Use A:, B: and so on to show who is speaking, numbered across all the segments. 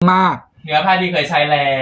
A: มาก
B: เนื้อผ้าดีเคยใช้แล้ว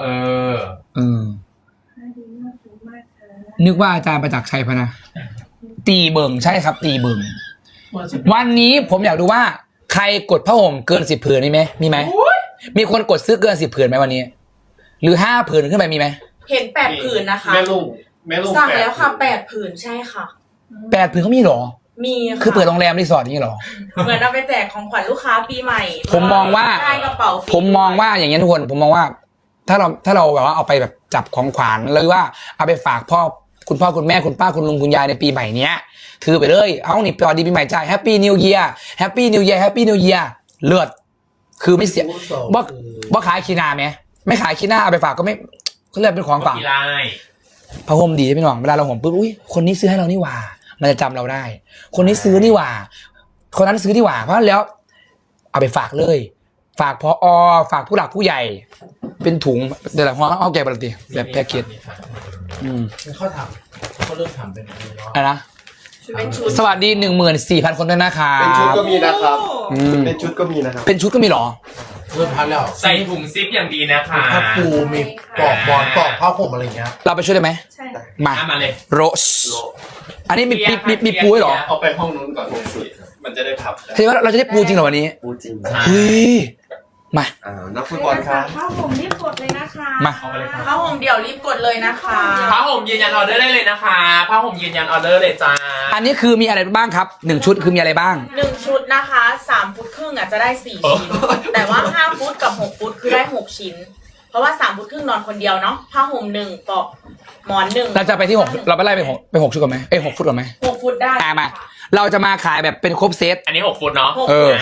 A: นึกว่าอาจารย์ประจักษ์ชัยพนะตีเบิ่งใช่ครับ ตีเบิ่งวันนี้ผมอยากดูว่าใครกดผ้าห่มเกิน10 ผืนมีไหมมีคนกดซื้อเกิน10 ผืนไหมวันนี้ หรือ5 ผืนขึ้นไปมีไหม
C: เห็น8 ผืนนะคะ
D: แม่ลุง
C: สั่งแล้วค่ะ8 ผืนใช่ค่ะ
A: 8 ผืนเขามีหรอ
C: มีค่ะ
A: คือเปิดโรงแรมรีสอร์ทอย่างนี้หรอ
C: เหมือนเอาไปแจกของขวัญลูกค้าปีใหม่
A: ผมมองว่า
C: ได้กระเป๋า
A: ผมมองว่าอย่างเงี้ยทุกคนผมมองว่า ถ้าเราแบบว่าเอาไปแบบจับของขวัญหรือว่าเอาไปฝากคุณพ่อคุณแม่คุณป้าคุณลุงคุณยายในปีใหม่เนี้ยถือไปเลยเอานี่ปอดีปีใหม่จ่ายแฮปปี้นิวเยียร์แฮปปี้นิวเยียร์แฮปปี้นิวเยียร์เลือดคือไม่เสียบ่ขายขี้หน้าไหมไม่ขายขี้หน้าเอาไปฝากก็ไม่เขาเรียกเป็นของฝากผ้าห่มดีพี่น้องเวลาเราห่มปุ๊บอุ้ยคนนี้ซื้อให้เรานี่หว่ามันจะจำเราได้คนนี้ซื้อนี่หว่าคนนั้นซื้อนี่หว่าเพราะแล้วเอาไปฝากเลยฝากพอฝากผู้หลักผู้ใหญ่เป็นถุงเดี๋ยวหลังเอาแกะปกติแบบแพ็กเกจ
D: เขาทำเขาเริ่มทำเป็น
A: อะไรนะสวัสดี 14,000 คนด้วยนะครับ
D: เป็นชุดก็มีนะครับเป็นชุดก็มีนะครับ
A: เป็นชุดก็มีหรอ
D: เริ่มพันแล้ว
B: ใส่ถุงซิปอย่างดีนะคะ
D: ผ้าปูมีปลอกบอลปลอกผ้าห่มอะไรเงี้ย
A: เราไปช่วยได้ไหม
C: ใช่
A: มา
B: เลย
A: โรสอันนี้มีปูหรอ
D: เอาไปห้องนู้นก่อนสุดมันจะได้พับ
A: เห็นว่าเราจะได้ปูจริงเหรอวันนี้
D: ปูจริง
A: เฮ้ยมา
D: นักฟุตบอลครับ
C: ผ้าห่มรีบกดเลยนะคะ
A: มา
C: ผ้าห่มเดี๋ยวรีบกดเลยนะคะ
B: ผ้าห่มยืนยันออเดอร์ได้เลยนะคะผ้าห่มยืนยันออเดอร์เลยจ้า
A: อันนี้คือมีอะไรบ้างครับ1 ชุดคือมีอะไรบ้าง
C: 1 ชุดนะคะ3 ฟุตครึ่งจะได้4 ชิ้นแต่ว่า5 ฟุตกับ6 ฟุตคือได้6 ชิ้นเพราะว่า3 ฟุตครึ่งนอนคนเดียวเนาะผ้าห่ม1ปลอกหมอน1
A: เราจะไปที่6เราไปไล่ไป6ชุดก่อนไหม6 ฟุตก่อนไหม
C: 6 ฟุตได้
A: มาเราจะมาขายแบบเป็นครบเซต
B: อันนี้6 ฟุตเนาะ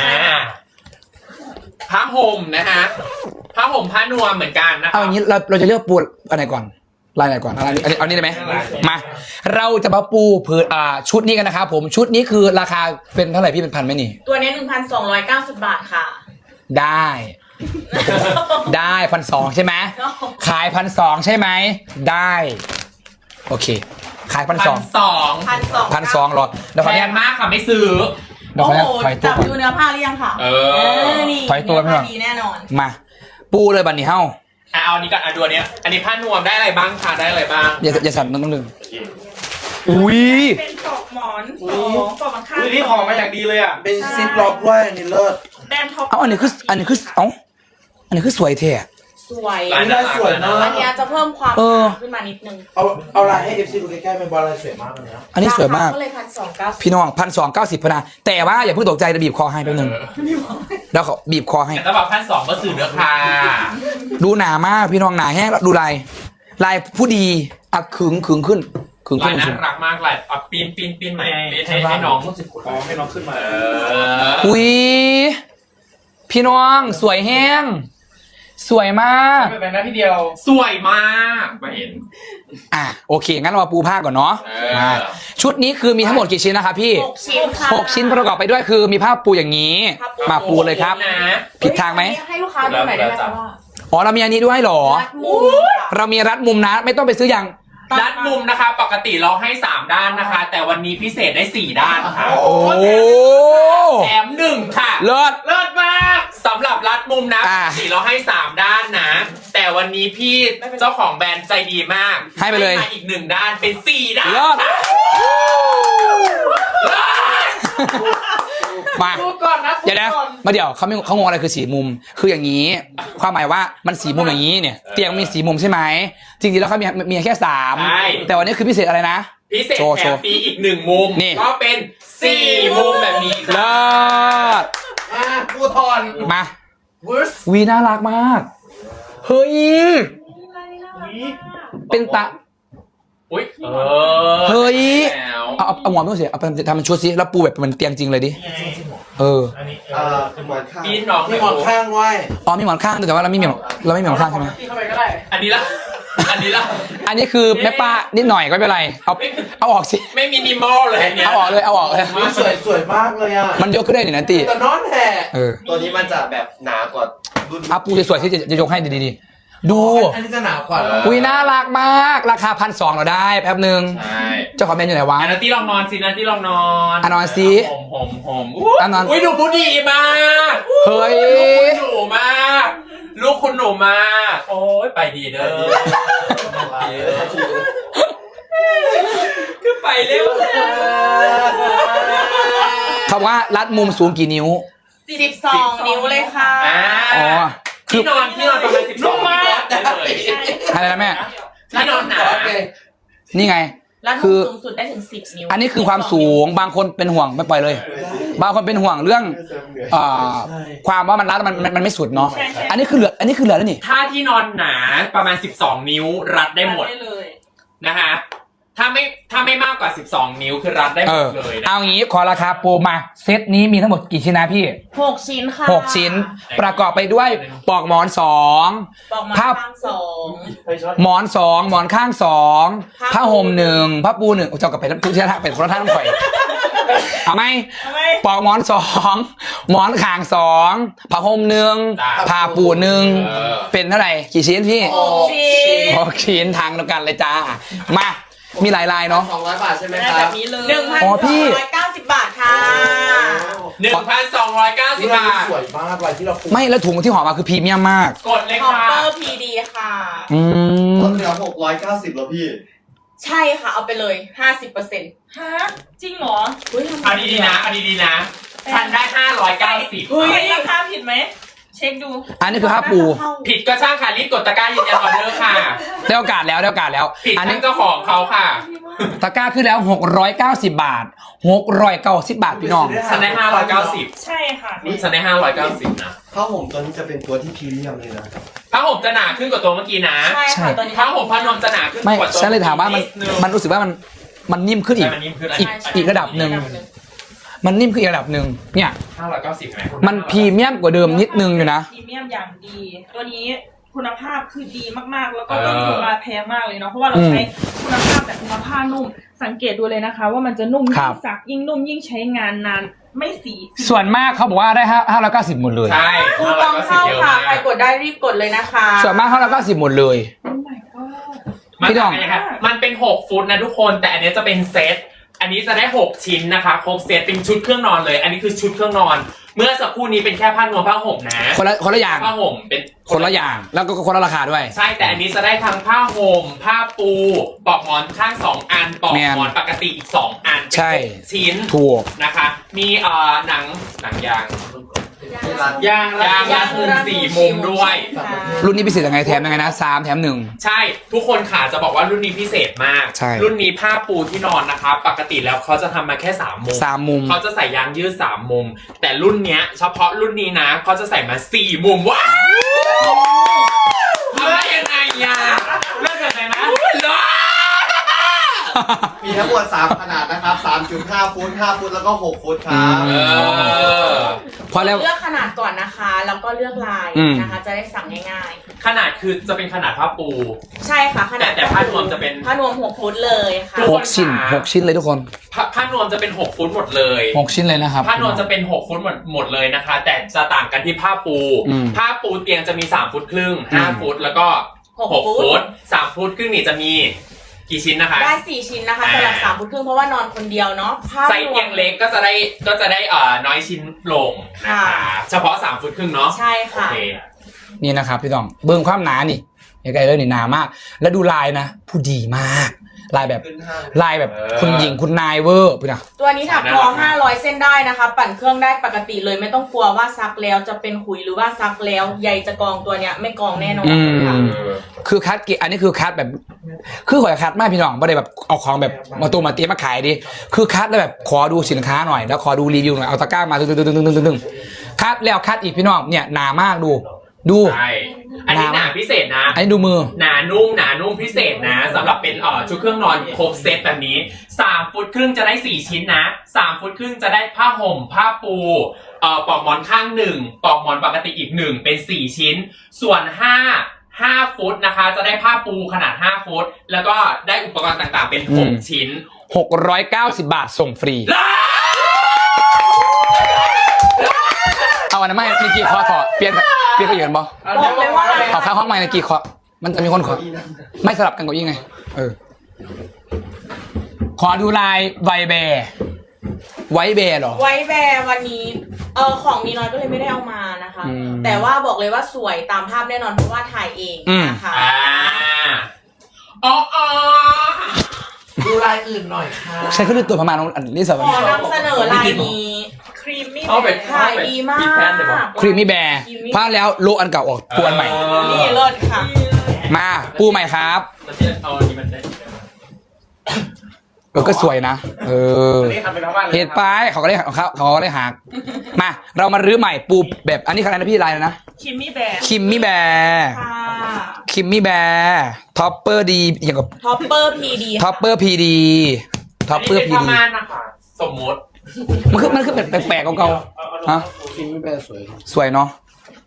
B: ผ้าห่มนะฮะผ้าห่มผ้านวมเหมือนกันนะ
A: เอาอย่างนี้เราจะเลือกปูอันไหนก่อนลายไหนก่อนเอานี้ได้ไหมมาเราจะมาปูผืนชุดนี้กันนะครับผมชุดนี้คือราคาเป็นเท่าไหร่พี่เป็นพันไหมนี่
C: ตัวนี้ 1,290 บาทค่ะ
A: ได้1,200ใช่ไหมขาย1,200ใช่ไหมได้โอเคขาย1,200หรอ
B: แพงมากค่ะไม่ซื้อ
C: โอ้โหจับดูเนื้อผ้าหรือยังค่ะ
A: นี่ถอยตัวไม่หรอ
C: ดีแน่นอน
A: มาปูเลยบันนี้เฮ้า
B: เอาอันนี้ก่อนดูอันนี้อันนี้ผ้านวมได้อะไรบ้างคะได้อะไรบ้าง
A: อย่าสั่นต้องดึงอุ้ย
C: เป็นปลอกหมอน2ปลอกข้าง
D: นี่ห่อมาอย่างดีเลยอ่ะเป็นซิปล็อกด้วยนี่เลิศ
C: แดนท็อป
A: อันนี้คือสวยเท่
C: สวย
D: ได้สวยนะ
C: อันนี้จะเพิ่มความขึ้นมานิดนึง
D: เอาลายให้ FC ดูใกล้ๆเป็นบอลลายสวยมากเลยนะ
A: อันนี้สวยมาก
C: ก็เลย1,290
A: พี่น้อง1,290พนะแต่ว่าอย่าเพิ่งตกใจจะบีบคอให้แป๊บนึงแล้วเขาบีบคอให้
B: แต่ถ้าบอก1,200ก็ซื้อเด้อค่ะ
A: ดูหนามากพี่น้องหนาแห้งดูลายผู้ดีขึงขึ้น
B: ลายน่ารักมากลายปีนใหม่ให้น้องให้น้องขึ้นมา
A: อุ้ยพี่น้องสวยแห้งสวยมาก
B: เป็นหน้าที่เดียวสวยมากมาเห็น
A: โอเคงั้นเรามาปูผ้าก่อนเนาะชุดนี้คือมีทั้งหมดกี่ชิ้นนะครับพี่6 ชิ้นประกอบไปด้วยคือมีผ้าปูอย่างนี้มาปูเลยครับผิดทางไหม
C: ให้ลูกค้าดูหน่อยได้ไหม
A: ว่าเรามีอันนี้ด้วยหรอเรามีรัดมุมนะไม่ต้องไปซื้ออย่าง
B: รัดมุมนะคะปกติเราให้3 ด้านนะคะแต่วันนี้พิเศษได้4 ด้านค่ะ
A: โอ้
B: แถม1ค่ะ
A: เลิศ
B: มากสำหรับรัดมุมนะปกติเราให้3 ด้านนะแต่วันนี้พี่เจ้าของแบรนด์ใจดีมาก
A: ให้ไปเลย
B: อีก1 ด้านเป็น4 ด้าน
A: เลิศมาเดี๋ยวนะมาเดี๋ยวเขางงอะไรคือ4 มุมคืออย่างนี้ความหมายว่ามัน4 มุมอย่างนี้เนี่ยเตียงมี4 มุมใช่ไหมจริงๆแล้วเขามีแค่3แต่วันนี้คือพิเศษอะไรนะ
B: พิเศษแถมปีอีก1 มุมก็เป็น4 มุมแบบนี้
A: เลิศ
D: ปูทอน
A: มาวีน่ารักมากเฮ้ยเป็นตาเฮ้ยเอาหมอนไม่ต้องเสียเอาไปทำเป็นชุดสิแล้วปูแบบเหมือนเตียงจริงเลยดิ
D: หมอนข้างมีหมอนข้างไว้
A: มีหมอนข้างแต่ว่าเราไม่มีหมอนข้างใช่ไหม
B: อันนี้
A: อันนี้คือแม่ป้านิดหน่อยก็ไม่เป็นไรเอาออกสิ
B: ไม่มินิมอลเลย
A: เอาออกเลย
D: สวยมากเลยอ่ะ
A: มันยกขึ้นได้หนึ่งนาที
D: แต่นอนแผ่ตัวนี้มันจะแบบหนากว่า
A: ปูสวยที่จะยกให้ดีดู
D: อันนี้จะหนากว่า
A: อุ้ยน่ารักมากราคา1,200เราได้แป๊บนึงเจ้าของแบรนด์อยู่ไหนวะ
B: นันตี้ลองนอนสินันตี้ลองนอน
A: นอนสิ
B: ผมอุ้ยดูผู้ดีมาก
A: เฮ้ย
B: ดูมากลูกนูมากโอ้ยไปดีเด้อคือไปเร็ว
A: คำว่ารัดมุมสูงกี่นิ้ว
C: 12 นิ้วเลยค่ะ
A: อ๋อ
B: ที่นอนประมาณ12นิ้วได้เลย
A: อะไรนะแม่
B: ที่นอนหนา
A: นี่ไง
C: แล้ว
A: คือ
C: สูงสุดได้ถึง10 นิ้ว
A: อันนี้คือความสูงบางคนเป็นห่วงไม่ปล่อยเลย บางคนเป็นห่วงเรื่องความว่ามันรัดมันไม่สุดเนาะอันนี้คือเหลือแล้วนี่
B: ถ้าที่นอนหนาประมาณ12นิ้วรัดได้หมด
C: ได้เลย
B: นะคะถ้าไม่มากกว่า12นิ้วคือรัดได้หมดเลยนะ
A: เอางี้ขอราคาโปรมาเซตนี้มีทั้งหมดกี่ชิ้นนะพี่
C: 6 ชิ้นค่ะ
A: 6 ชิ้น ประกอบไปด้วยปลอกหมอน
C: ปอกมา
A: ภาพ
C: ข้างสอง
A: 2หมอน 2หมอนข้าง2ผ้าห่ม1ผ้าปู1เจ้ากับไปทุกที่ท่าเป็นคนละท่าต้องข่อยเอาไหมปลอกหมอน2หมอนข้าง2ผ้าห่ม1ผ้าปู1เป็นเท่าไหร่กี่ชิ้นพี่
C: 6 ชิ้น
A: 6 ชิ้นทางเดียวกันเลยจ้ามามีหลายลายเนาะ
D: 200 บาทใช่ไหม
C: ได้
D: ค
C: แบ
D: รับบ
C: นี้เลย
A: อ๋อพี่
C: 1,290 บาทค่ะ
B: 1,290 บาท
D: สวยมากลายที่เราปู
A: ไม่แล้วถุงที่ห่อมาคือพรีเมียมมาก
B: กดเลย
C: คอป
B: ค่ะ
C: เปอร์พีดีค่ะ
A: อืม
E: ลดเหลือ690แล้วพี่
C: ใช่ค่ะ เอาไปเลย 50%
F: ฮะจริงเหรอ
B: เอาดีๆนะฉันได้590
C: เฮ้ย
F: ราคาผิดไหม เช็คดู
A: อันนี้คือผ้าปู
B: ผิดก็ช่างค่ะรีบกดตะกร้ายืนยันออเดอร์ค่ะ
A: ได้โอกาสแล้ว
B: ผิด
A: อัน
B: ทั้
A: นี้
B: งเจ้าของเขาค่ะ
A: ตะกร้าขึ้นแล้ว690 บาท690 บาทพี่น้อง
B: ฉันได้590
F: ใช่ค่ะ
B: ฉันได้590นะ
E: ผ้าห่มตัวนี้จะเป็นตัวที่พรีเมียมเลยนะ
B: ผ้าห่มจะหนาขึ้นกว่าตัวเมื่อกี้นะ
C: ใช่ค่ะตอนนี้
B: ผ้าห่มผ้านวมจะหนาขึ้น
A: ไม่
B: กว่าตัว
A: ฉันเลยถามว่ามันรู้สึกว่ามันนิ่มขึ้นอีก
B: ใช่มันนิ่มขึ้น
A: อีกระดับหนึ่ง มันนิ่มขึ้นอีกระดับหนึ่งเนี่ย
B: 590ไหม
A: มันพรีเมียมกว่าเดิมนิดนึงอยู่นะ
F: พรีเมียมอย่างดี ตัวนี้คุณภาพคือดีมากๆ แล้วก็ต้นทุนมาแพงมากเลยเนาะ เพราะว่าเราใช้คุณภาพแบบคุณภาพนุ่ม สังเกตดูเลยนะคะ ว่ามันจะนุ่ม
A: ครั
F: ยิ่
A: บ
F: งซักยิ่งนุ่มยิ่งใช้งานนาน ไม่สี
A: ส่วนมากเขาบอกว่าได้590หมดเลย
B: ใช่
C: คูปองเข้า
B: 590เยอะ
C: ค่ะ
B: มาก
C: ใครกดได้รีบกดเลยนะคะ
A: ส่วนมาก590หมดเลย
F: โอ้ my god
B: มัน
A: พี่น้อง
B: ต่างกันนะครับมันเป็น6ฟุตนะทุกคนแต่อันนี้จะเป็นเซตอันนี้จะได้6ชิ้นนะคะครบเซตเป็นชุดเครื่องนอนเลย อันนี้คือชุดเครื่องนอน เมื่อสักครู่นี้เป็นแค่ผ้านวมผ้าห่มนะ
A: คนละอย่าง
B: ผ้าห่มเป็น
A: คนละอย่างแล้วก็คนละราคาด้วย
B: ใช่แต่อันนี้จะได้ทั้งผ้าห่มผ้าปูปลอกหมอนข้าง2อันปลอก
A: แม่น
B: หมอนปกติอีก2อันเป็น
A: ใช่
B: 6ชิ้น
A: ถูก
B: นะคะมีหนังยาง
E: ที่ร้าน
B: ยางรัดมุม4มุมด้วย
C: ค่ะ
A: รุ่นนี้พิเศษยังไงแถมยังไงนะ3แถม1
B: ใช่ทุกคนค่ะจะบอกว่ารุ่นนี้พิเศษมาก
A: ใช่
B: รุ่นนี้ผ้าปูที่นอนนะคะปกติแล้วเขาจะทำมาแค่3มุม
A: 3มุม
B: เขาจะใส่ยางยืด3มุม แต่รุ่นเนี้ยเฉพาะรุ่นนี้นะเขาจะใส่มา4มุมว้าวทำได้ยังไงอ่ะเลิกเกิดไหนนะเลิศ
E: มีทั้งหมด3ขนาดนะครับ 3.5 ฟุต 5 ฟุต แล้วก็ 6 ฟุตครับ
A: อื พอแล้ว
C: เลือกขนาดก่อนนะคะ แล้วก็เลือกลาย
A: อืม
C: นะคะ จะได้สั่งง่าย
B: ขนาดคือจะเป็นขนาดผ้าปู
C: ๆ ใช่ค่ะขนาด
B: แต่ผ้านวมจะเป็น
C: ผ้านวม6 ฟุตเลยค่ะ
A: 6 ชิ้น6 ชิ้นเลยทุกคน
B: ผ้านวมจะเป็น6ฟุตหมดเลย
A: 6 ชิ้นเลยนะครับ
B: ผ้านวมจะเป็น6ฟุตหมดเลยนะคะ แต่จะต่างกันที่ผ้าปู
A: อืม
B: ผ้าปูเตียงจะมี3ฟุตครึ่ง
A: อืม
B: 5ฟุตแล้วก็ 6 ฟุต3ฟุตครึ่งนี่จะมีกี่ชิ้นนะคะ
C: ได้ 4 ชิ้นนะคะสำหรับ3 ฟุตครึ่งเพราะว่านอนคนเดียวเนาะผ้า
B: ไซส์เตียงเล็กก็จะได้น้อยชิ้นลงนะคะเฉพาะ3ฟุตครึ่งเนาะ
C: ใช่
B: โอ
C: ค่ะ
B: เค
A: นี่นะครับพี่ต้องเบิ่งความหนานี่ใกล้ๆเลยนี่หนามาก แล้วดูลายนะ ผู้ดีมาก ลายแบบ
E: ขึ้นห้าง
A: ลายแบบคุณหญิงคุณนายเวอร์พี่นะ
C: ตัวนี้ถักทอ500 เส้นได้นะคะ ปั่นเครื่องได้ปกติเลยไม่ต้องกลัวว่าซักแล้วจะเป็นขุยหรือว่าซักแล้วใยจะกองตัวเนี้ยไม่กองแน่นอนค่ะ
A: คือคัดเกอันนี้คือคัดแบบ คือขอคัดมากพี่น้องไม่ได้แบบเอาของแบบมาตูมาเตรียมมาขายดิคือคัดแล้วแบบขอดูสินค้าหน่อยแล้วขอดูรีวิวหน่อยเอาตะกร้ามาตึงคัดแล้วคัดอีกพี่น้องเนี่ยหนามากดู
B: ใช่อันนี้หนาพิเศษนะ
A: อันนี้ดูมือ
B: หนานุ่มพิเศษนะสำหรับเป็นชุดเครื่องนอนครบเซตแบบนี้3ฟุตครึ่งจะได้4ชิ้นนะ3ฟุตครึ่งจะได้ผ้าห่มผ้าปูปลอกหมอนข้าง1ปลอกหมอนปกติอีก1เป็น4ชิ้น ส่วน5ฟุตนะคะจะได้ผ้าปูขนาด5ฟุตแล้วก็ได้อุปกรณ์ต่างๆเป็น6ชิ้น
A: 690 บาทส่งฟรีเอาอันนั้นไม่มีกี่คอถอดเปลี่ยนไปอยู่กันบ่
C: บอกเลยว่า
A: เอาข้างห้องใหม่ในกี่คอมันจะมีคนขอไม่สลับกันกับยิ่งไงขอดูลายไวแบร์ไว้แบร์เหรอ
C: ไว้แบร์วันนี้ของมีน้อยก็เลยไม่ได้เอามานะคะ
A: อืม
C: แต่ว่าบอกเลยว่าสวยตามภาพแน่นอนเพราะว่าถ่ายเองนะคะ
B: อ๋อ
D: ดูลายอื่นหน่อยค่ะ
A: ใช้เครื่องดูตัวประมาณอันนี้สำหรับ
C: ขอนำเสนอลายนี้ครีมมี่ขายดีมาก
A: ครีมมี่แบร์พลาดแล้วโลอันเก่าออกปูอันใหม่
C: นี่เลิศค่ะ
A: มาปูใหม่ครับ
B: มันจะเอาอันนี้มันได้
A: ก็สวยนะ
B: นี่ทำเป็นทั้งบ้านเลย
A: เหตุไปเขาก็ได้หักมาเรามารื้อใหม่ปูแบบอันนี้ใครนะพี่ลายนะ
F: คิมมี่แบร์
A: คิมมี่แบร์
F: ค่ะ
A: คิมมี่แบร์ท็อปเปอร์ดีอย่างกับ
C: ท็อปเปอร์พีดี
A: ท็อปเปอร์พีดีท็อปเปอร์พี
B: อันนี้
A: ดี
B: เป็นผ้าม่านนะคะสมมติ
A: มันคือแปลกๆเก่าๆฮะ
D: คิมมี่แบร์สวย
A: สวยเนาะ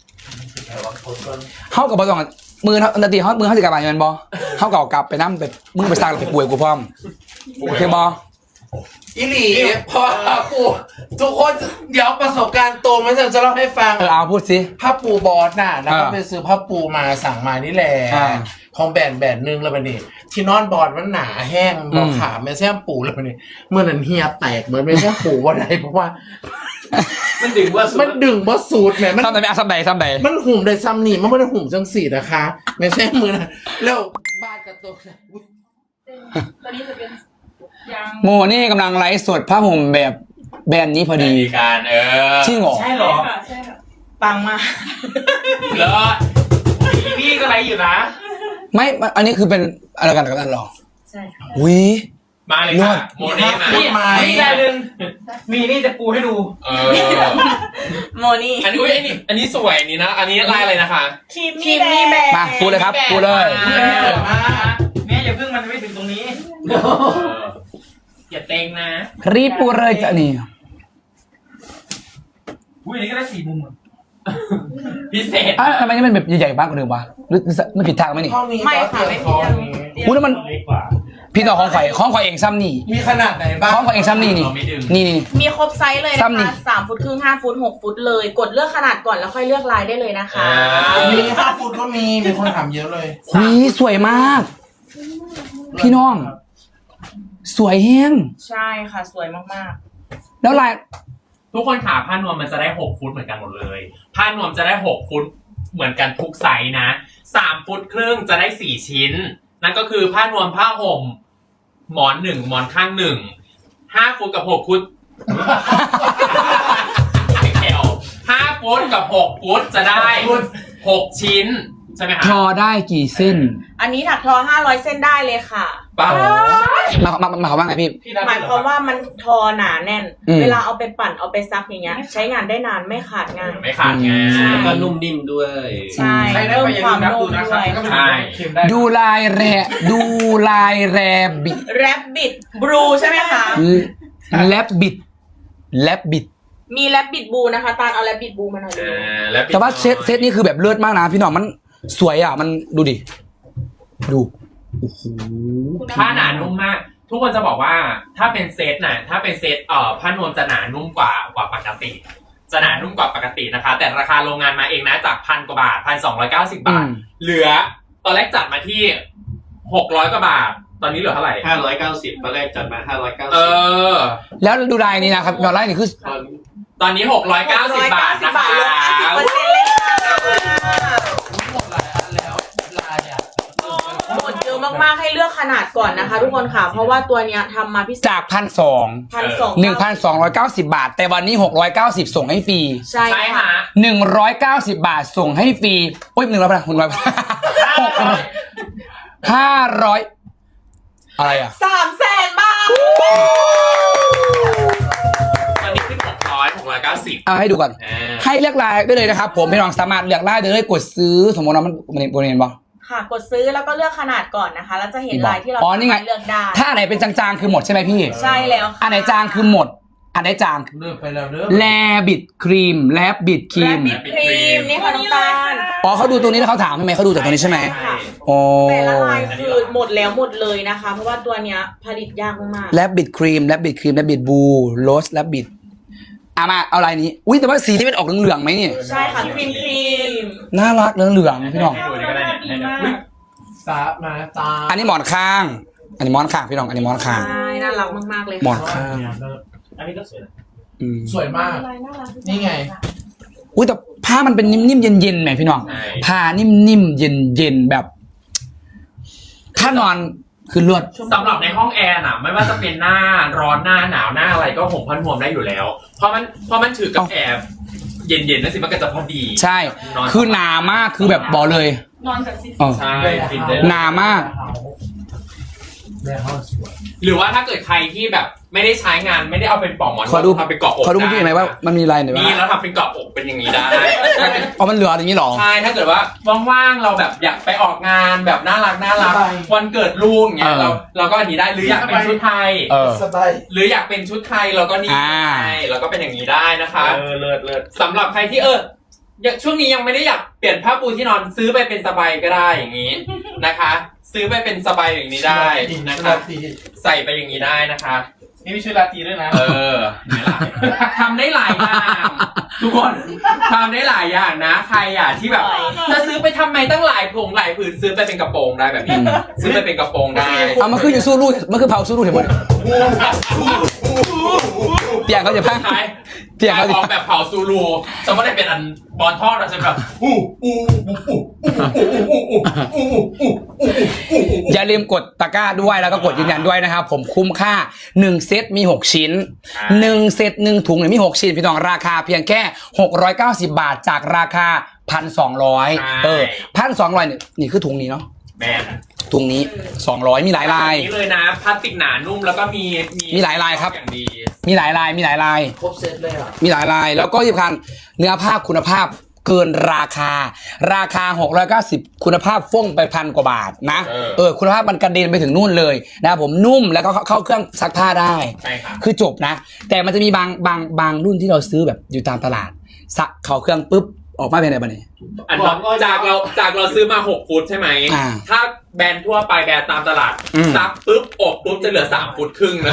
A: เข้ากับบอลสองมือนาทีเขามือเขาสิกลับมาอยู่มันบอเข้ากับกลับไปนั่งไปมึงไปสร้างไปป่วยกูพร้อมโอเคบอ
D: อีหลีเพราะว่าปูทุกคนเดี๋ยวประสบการณ์ตรงไม่ใช่จะเล่าให้ฟัง
A: เอาพูดสิ
D: ผ้าปูบอสน่ะแล้วก็ไปซื้อผ้าปูมาสั่งมานี่แหละ
A: อ่า
D: ของแบรนด์นึงแล้วบัดนี้ที่นอนบอดมันหนาแห้งบอขาไม่ใช่ปูแล้วบัดนี้เมื่อนั้นเฮียแตกเหมือนไม่ใช่ปูว่าไรเพราะว่า
B: มันดึงว่า
D: มันดึงว่าสูตรแหมมัน
A: ทำไหนทำไหน
D: มันหุ่มได้ซ้ำนี่มันไม่ได้หุ่มจังสี่นะคะ ไม่ใช่มือนะแล้วบ้านกระตุก
F: ตัวนี้จะเป็นยาง
A: โมนี่กำลังไลฟ์สดผ้าห่มแบบแบรนด์นี้พอดี
B: การ
A: จริงเหรอ
B: ใช่เหรอ
F: ใช่ค่ะ
C: ปังมาก
B: แล้วพี่ก็ไรอยู่นะ
A: ไม่อันนี้คือเป็นอะไรกันกับอันหรอ
C: ใช่ค่ะ
A: อุ้ย
B: มาเลยค่ะโมเน่มา
D: นี่ไง
G: มีนี่จะปูให้ดู
C: โมนี่
B: อันนี้อันนี้สวยอันนี้นะ อันนี้ลายอะไรนะคะ
C: คิมมี่แบร์
A: มาพูดเลยครับพูดเลย
G: แม่อย่าเพิ่งมันไม่ถึงตรงนี้
B: อย่าเต็งนะ
A: รีบพูดเลยจ้ะนี่
G: อุ้ยอันนี้ก็ได้4 มุม
B: พิเศษ
A: ทำไมนี่มันแบบใหญ่ๆบ้างกว่าเดิมวะหรือไม่ผิดทางไหมนี่
D: ห้องนี้
C: ไม่ค่ะไม่มี
A: พูดแล้วมัน
G: เล็กกว่า
A: พี่น้องของข่อยเองซ้ำนี่
D: มีขนาดไหนบ้าง
A: ของข่อยเองซ้ำนี่นี่นี่
C: มีครบไซส์เลยนะ
A: ซ้ำนี่
C: คะ3 ฟุตครึ่ง5 ฟุต 6 ฟุตเลย กดเลือกขนาดก่อนแล้วค่อยเลือกลายได้เลยนะคะ
D: มี5 ฟุตก็มีคนถามเยอะเลย
A: หุยสวยมาก พี่น้อง สวยแฮง
C: ใช่ค่ะสวยมาก
A: แล้วลาย
B: ทุกคนขาผ้านวมมันจะได้6 ฟุตเหมือนกันหมดเลยผ้านวมจะได้6 ฟุตเหมือนกันทุกไซส์นะ3 ฟุตครึ่งจะได้4 ชิ้น นั่นก็คือผ้านวมผ้าห่มหมอน1หมอนข้าง1 5 ฟุตกับ6 ฟุตแถว5 ฟุตกับ6 ฟุตจะได้6 ชิ้นใช่ไหมคะ
A: ทอได้กี่เส้น
C: ๆ อันนี้ถักทอ500 เส้นได้เลยค่ะ
B: ป้า
A: มาเขาว่าไงพี่
C: หมายความว่ามันทอหนาแน่น
A: อืม
C: เวลาเอาไปปั่นเอาไปซักอย่างเงี้ย ใช้งานได้นานไม่ขาดง่าย
B: ไม่ขาดไง
C: ใช่
E: แล้วก็นุ่มนิ่มด้วย
C: ใช่
G: ใครได้
C: เพิ่ม
G: ไปอย่า
C: ค
G: ลื
C: วาม
G: มนับ
C: นุ่
G: ดู
C: ม
G: นะค
C: ด้
G: รับ
C: วย
B: ใช่
G: เค็มได้
A: ดูลายแรบิด
C: แรปบิดบลูใช่ไหมคะ
A: แลบบิด
C: มีแรปบิดบลูนะคะตาลเอาแรปบิดบลูมาหน่อยดิ
B: แล้ว
A: แต่ว่าเซตนี้คือแบบเลิศมากนะพี่น้องมันสวยอ่ะมันดูดิดูโอ้โห
B: ผ้าหนานุ่มมาก ทุกคนจะบอกว่าถ้าเป็นเซตน่ะถ้าเป็นเซตผ้านวมจะหนานุ่มกว่าปกติ จะหนานุ่มกว่าปกตินะคะ แต่ราคาโรงงานมาเองนะจาก1,000 กว่าบาท 1,290 บาท เหลือตอนแรกจัดมาที่600 กว่าบาท ตอนนี้เหลือเท่าไหร่
E: 590ตอนแรกจัดมา590
A: แล้วดูลายนี้นะครับลายนี้คือ
B: ตอนนี้690 บาทนะคะ
C: ลด50%เลยค่ะ
D: หมดหลายอันแล้วลายอ่ะ
C: หมดเยอะมากๆให้เลือกขนาดก่อนนะคะ ทุกคนค่ะ เพราะว่าตัวเนี้ยทำมาพิเศษ
A: จาก1,200
C: 1,290
A: 1,290 บาท แต่วันนี้690ส่งให้ฟรี
C: ใช่
B: ใช่
C: ค่ะ
B: ฮะ
A: 190 บาทส่งให้ฟรีโอ้ย100บาท100บาท500อะไรอ่ะ
C: 300,000 บาท
B: ตอนนี้ขึ้น690
A: เอาให้ดูก่อน ให้เลือกลายได้เลยนะครับผมพี่น้องสามารถเลือกลายได้เลยกดซื้อสมมติว่ามันโปรเนนบอ
C: ค่ะ กดซื้อแล้วก็เลือกขนาดก่อนนะคะ แล้วจะเห็นลายที่เรา
A: อ๋อนี่ไง
C: เลือกได้
A: ถ้าอันไหนเป็นจางๆคือหมดใช่ไหมพี่
C: ใช่แล้วค่ะ
A: อันไหนจางคือหมด อันไหนจาง
D: เลิกไปแล้วเด้อ
A: แลบิดครีมแลบบิดครี
C: แรป
A: ม
C: บิดครีมนี่ค่ะน้องตาล
A: อ๋อเขาดูตัวนี้แล้วเขาถามใช่ไหมเขาดูจากตัวนี้ใช่ไหม
C: ค่ะ
A: โอ้
C: แต่ละลายคือหมดแล้วหมดเลยนะคะ เพราะว่าตัวเนี้ยผลิตยากมาก
A: แลบบิดครีมแลบบิดครีมแลบบิดบูโรสแลบบิดมาเอาลายนี้อุ้ยแต่ว่าสีที่เป็นออกเหลืองๆไหมเนี่ย
C: ๆ ใช่ค่ะครีม
A: น่ารักเหลืองๆพี่น้อง
B: ให้ดูนี่ก็ได้เนี่ย
F: ดีมาก
D: สามาตา
A: อันนี้หมอนข้าง อันนี้หมอนข้างพี่น้องอันนี้หมอนข้าง
C: ใช่น่ารักมากๆเลย
A: หมอ
C: ค่ะ
A: นข้าง
G: อันนี้ก็สวย
D: สวยมาก
F: ลายน่ารัก
D: นี่ไง
A: อุ้ยแต่ผ้ามันเป็นนิ่มๆเย็นๆไหมพี่น้อง
B: ใช่
A: ผ้านิ่มๆเย็นๆแบบ ถ้านอนคือเลือด
B: สำหรับในห้องแอร์น่ะ ไม่ว่าจะเป็นหน้าร้อนหน้าหนาวหน้าอะไรก็ห่มผ้านวมได้อยู่แล้ว เพราะมันถือกับแอร์เย็นๆนั่นสิมันก็จะพอดี
A: ใช่
B: นอน
A: คือหนามากคือแบบบอกเลย
F: นอนกับซิ
A: เออ
B: ใช่ฟินได้
A: หนามาก
B: หรือว่าถ้าเกิดใครที่แบบไม่ได้ใช้งานไม่ได้เอาเป็นปลอกหมอน
A: ขอดู
B: ทำเป็นเกาะอก
A: ขอดูเมื่อกี้ไหมว่ามันมีอะไรหน่อย
B: นี่
A: ว่า
B: แล้วทำเป็นเกาะอกเป็นอย่างนี้ได้
A: อ๋อมันเหลืออย่างนี้หรอ
B: ใช่ถ้าเกิดว่าว่างๆเราแบบอยากไปออกงานแบบน่ารักวันเกิดลูกอย่างเงี้ย
A: เออ
B: เราก็อันนี้ได้หรืออยากเป็นชุดไทย
A: เออ
D: สบาย
B: หรืออยากเป็นชุดไทยเราก็นี่
A: อ่า
B: ได้เราก็เป็นอย่างนี้ได้นะคะ
G: เลิศ
B: สำหรับใครที่ช่วงนี้ยังไม่ได้อยากเปลี่ยนผ้าปูที่นอนซื้อไปเป็นสบายก็ได้อย่างนี้นะคะ ซื้อไปเป็นสบายอย่างนี้ได้นะคะใส่ไปอย่างนี้ได้นะคะ
G: นี่มีชื่อราตรีด้วยนะ
B: ทำได้หลายอย่างทุกคนทำได้หลายอย่างนะ ใครอ่ะที่แบบจะซื้อไปทำไมตั้งหลายผงหลายผืนซื้อไปเป็นกระโปรงได้แบบนี้ซื้อไปเป็นกระโปรงได้
A: เอามันคืออยู่สู้รูดมันคือเผาสู้รูดเห็นหมดเปียกเขาจะพัง
B: ขาย
A: เปียกเขาจะ
B: ออกแบบเผาซูรูจะไม่ได้เป็นอันบอลทอดเราจะแบบ
A: อย่าลืมกดตะกร้าด้วยแล้วก็กดยืนยันด้วยนะครับผมคุ้มค่า1เซตมี6ชิ้น1เซต1ถุงเนี่ยมี6ชิ้นพี่น้องราคาเพียงแค่690 บาทจากราคา 1,200 1,200เนี่ยนี่คือถุงนี้เนาะ
B: แมน
A: ถุงนี้200มีหลายลาย
B: นี้เลยนะพลาสติกหนานุ่มแล้วก็มี
A: หลายลายครับ
B: อย่างดี
A: มีหลายลายมีหลายลาย
D: ครบเซตเลยอ่ะ
A: มีหลายลายแล้วก็ที่สำคัญเนื้อผ้าคุณภาพเกินราคา690คุณภาพฟ่องไป1,000 กว่าบาทนะคุณภาพมันกระเด็นไปถึงนู่นเลยนะครับผมนุ่มแล้วก็เข้าเครื่องซักผ้าได้
B: ใช่ครับ
A: คือจบนะ แต่มันจะมีบางรุ่นที่เราซื้อแบบอยู่ตามตลาดซักเข้าเครื่องปุ๊บออกมาเป็นอะไรบ้างเนี่ย
B: อันนั้นจากเราซื้อมา6ฟุตใช่ไหม
A: อ่า
B: ถ้าแบรนด์ทั่วไปแบรนด์ตามตลาด
A: อืม
B: ซักปุ๊บอบปุ๊บจะเหลือ3ฟุตครึ่งนะ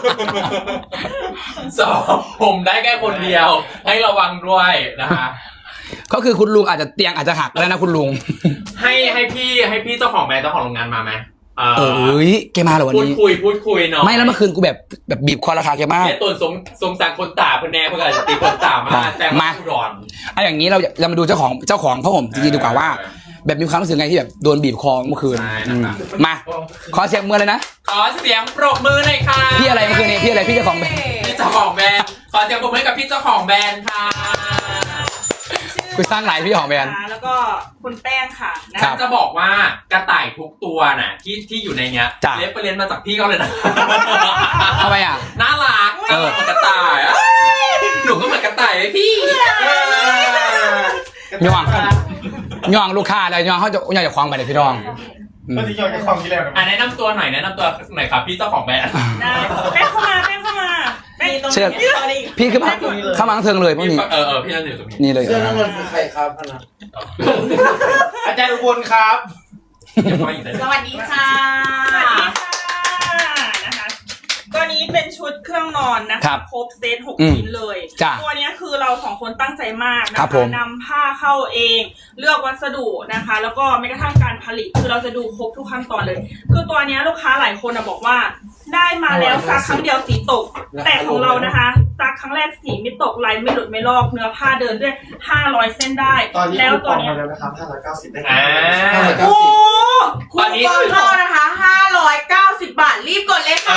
B: ผมได้แค่คนเดียวให้ระวังด้วยนะคะ
A: ก็คือคุณลุงอาจจะเตียงอาจจะหักแล้วนะคุณลุง
B: ให้พี่เจ้าของแบรนด์เจ้าของโรงงานมาไหม
A: แกมาเหรอวัน
B: พูด
A: นี้
B: คุยเนาะ
A: ไม่แล้วเมื่อคืนกูแบบบีบคอราคาแกมาก
B: เนี่ยตนสงสารคนตาเพื่อนแน่เพื่อนอาจจะตีคนตามาแต่
A: มา
B: ผู้ดอน
A: เอาอย่างนี้เรามาดูเจ้าของผ้าห่มจริงๆดีกว่าว่า แบบมีความรู้สึกไงที่แบบโดนบีบคอเมื่อคืน
B: ใช่นะครับ
A: มาขอเสียงมือเลยนะ
B: ขอเสียงปรบมือหน่อยค่ะ
A: พี่อะไรเมื่อคืนนี้พี่อะไรพี่เจ้าของแบรนด์
B: พี่เจ้าของแบรนด์ขอเสียงปรบมือให้กับพี่เจ้าของแบรนด์ค่ะ
A: กูสร้างหลายพี่ของแบรนด์
F: แล้วก็คุณแป้งค่ะนะ
A: ครับ
B: จะบอกว่ากระต่ายทุกตัวน่ะที่อยู่ในเนี้ย
A: จ้ะ
B: เล็บไปเรียนมาจากพี่เขาเลยนะ
A: ทำไมอ่ะ
B: น่ารัก
A: เออ
B: เหมือนกระต่ายอะหนูก็เหมือนกระต่ายเลยพี่
A: ย่องลูกค้าเลยย่องเขาจะย่องจะคว้างไปเลยพี่น้องอืม
G: ก็จะยอมจะคลองที่แล้ว
B: แนะนำตัวหน่อยครับพี่เจ้าของแบรนด์
F: ได้แป้งเข้ามาแป้ง
A: เชิญพี่ขึ้นมาเข้ามาทั้งเทิงเลยพวกนี้
B: พี่นั่นอยู่ตรงนี้
A: นี่เลย
D: เสื้อน้ำเงินคือใครครับพนัก
G: อาจารย์อุบลครับ
C: สวัสดีค่ะ
F: สวัสดีค่ะนะคะตัวนี้เป็นชุดเครื่องนอนนะ
A: ครั
F: คะ
A: บ
F: ครบเซต
A: อืม
F: 6ชิ้นเลย
A: จ้ะ
F: ตัวเนี้ยคือเราสองคนตั้งใจมากนะ
A: ครั
F: คะ
A: บผม
F: นำผ้าเข้าเอง เลือกวัสดุนะคะ แล้วก็แม้กระทั่งการผลิตคือเราจะดูครบทุกขั้นตอนเลย คือตัวเนี้ยลูกค้าหลายคนบอกว่า ได้มาแล้วซักครั้งเดียวสีตก แต่ของเรานะคะซักครั้งแรกสีไม่ตกลายไม่หลุดไม่ลอกเนื้อผ้าเดินด้วย500เส้นได้
E: ตอนนี้
F: แล้ว
E: คูป
F: ตัว
E: อง
F: เนี้ย
E: มาแล้วนะครับ590ได้
B: อ่า
E: ครับ
C: โอ้
B: ตอนนี้
C: คูปองเข้านะคะ590 บาทรีบกดเลยค่ะ